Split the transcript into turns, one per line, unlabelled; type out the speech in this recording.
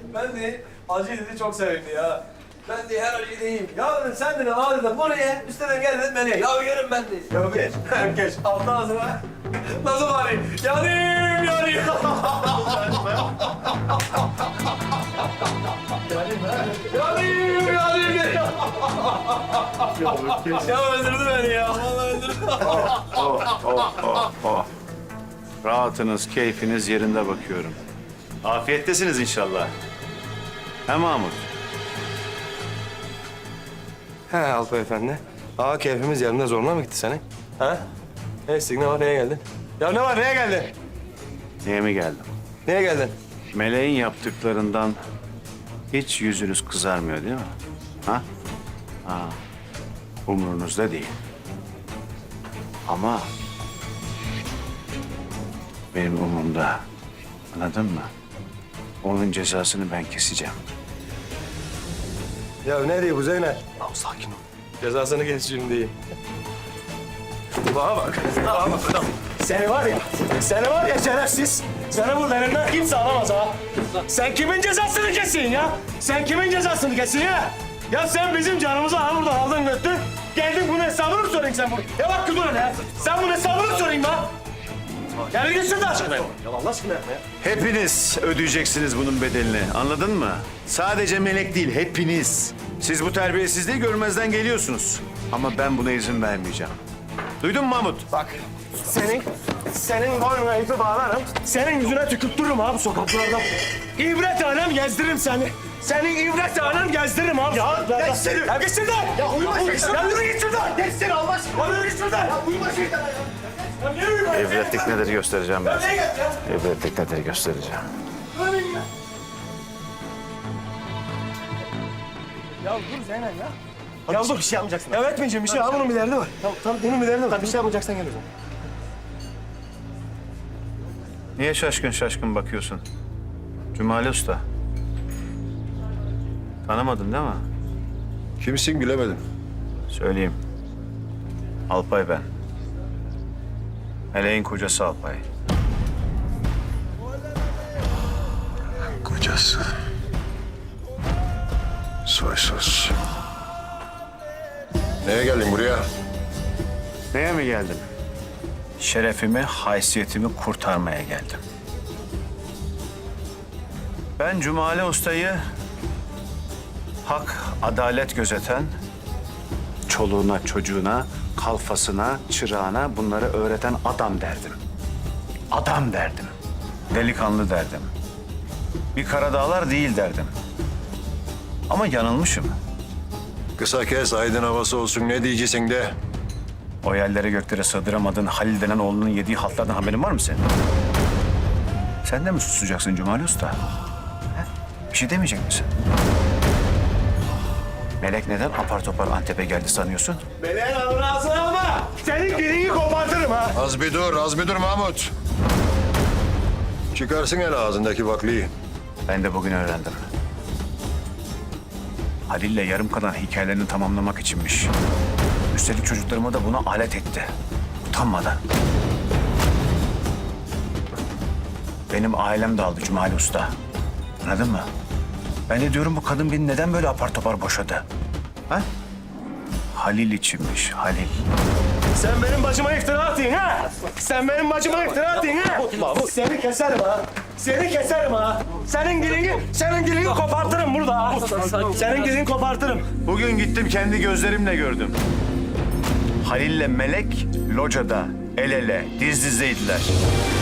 Ben de acı dedi çok sevimli ya. Ben de her acıyı yiyeyim. Ya dedim sen de al dedim bunu ye. Üstüne gel dedim beni. Ya yerim ben de. Ya geç. Geç. Altı ağzına. Nasıl bari? Yanayım yanayım. Yanayım yanayım. Ya öldürdü beni ya. Vallahi öldürdü.
Rahatınız, keyfiniz yerinde bakıyorum. Afiyettesiniz inşallah. He Mahmut?
He Alpay Efendi. Aa keyfimiz yerinde zoruna mı gitti senin? Ha? Ne istedik, ne var, neye geldin? Ya ne var, neye geldin?
Niye mi geldim?
Neye geldin?
Meleğin yaptıklarından hiç yüzünüz kızarmıyor değil mi? Ha? Ha. Umrunuzda değil. Ama benim umurumda. Anladın mı? Onun cezasını ben keseceğim.
Ya ne diyor bu Zeynep? Tamam sakin ol. Cezasını keseceğim diye. Bana bak. Bana bak adam. Seni var ya şerefsiz. Seni burada elimden kimse alamaz ha. Sen kimin cezasını kesin ya? Sen kimin cezasını kesin ya? Ya sen bizim canımızı ha buradan aldın götür. Geldin bunun hesabını mı sorayım sen bunu? Ya bak dur ya. Sen bunun hesabını mı sorayım lan? Ya bir gitsin de aşkına. Ya Allah aşkına yapma ya.
Hepiniz ödeyeceksiniz bunun bedelini. Anladın mı? Sadece Melek değil, hepiniz. Siz bu terbiyesizliği görmezden geliyorsunuz. Ama ben buna izin vermeyeceğim. Duydun mu Mahmut?
Bak senin boynuna ipi bağlarım. Senin yüzüne tükürttürürüm abi sokaklarda. İbret alem gezdiririm seni. Senin ibret alem gezdiririm abi. Ya geç seni. Ya geç şuradan. Ya uyuma şuradan. Ya yürü git şuradan. Geç seni Allah aşkına. Ya yürü git şuradan. Ya uyuma şuradan. Ya niye uyuma?
Evretlik nedir göstereceğim ben.
Ya niye geç ya?
Evretlik nedir göstereceğim.
Ya dur Zeynep ya. Ya dur bir şey yapmayacaksın. Ya etmeyeceğim bir şey. Ha bunun bir derdi var. Tamam bunun bir derdi var. Bir şey yapmayacaksan gel o zaman.
Niye şaşkın şaşkın bakıyorsun? Cumali Usta. Tanımadın değil mi?
Kimsin bilemedim.
Söyleyeyim. Alpay ben. Meleğin kocası Alpay.
Kocası. Soysuz. Neye geldin buraya?
Neye mi geldim? Şerefimi, haysiyetimi kurtarmaya geldim. Ben Cumali Usta'yı hak, adalet gözeten, çoluğuna, çocuğuna, kalfasına, çırağına bunları öğreten adam derdim. Adam derdim. Delikanlı derdim. Bir Karadağlar değil derdim. Ama yanılmışım.
Kısa kes, aydın havası olsun. Ne diyeceksin de?
O yerlere göklere sığdıramadığın Halil denen oğlunun yediği haltlardan haberin var mı senin? Sen de mi susacaksın Cumali Usta? He? Bir şey demeyecek misin? Melek neden apar topar Antep'e geldi sanıyorsun?
Meleğin alını ağzına alma. Senin dilini kopartırım ha.
Az bir dur Mahmut. Çıkarsın el ağzındaki baklıyı.
Ben de bugün öğrendim. Halil'le yarım kalan hikayelerini tamamlamak içinmiş. Üstelik çocuklarıma da buna alet etti. Utanmadan. Benim ailem de aldı Cumali Usta. Anladın mı? Ben de diyorum bu kadın beni neden böyle apar topar boşadı? Ha? Halil içinmiş, Halil.
Sen benim başıma iftira atıyorsun ha? Sen benim başıma iftira atıyorsun ha? Seni keserim ha. Seni keserim ha. Senin dilini kopartırım burada ha. Senin dilini kopartırım.
Bugün gittim kendi gözlerimle gördüm. Halil'le Melek locada el ele, diz dizeydiler.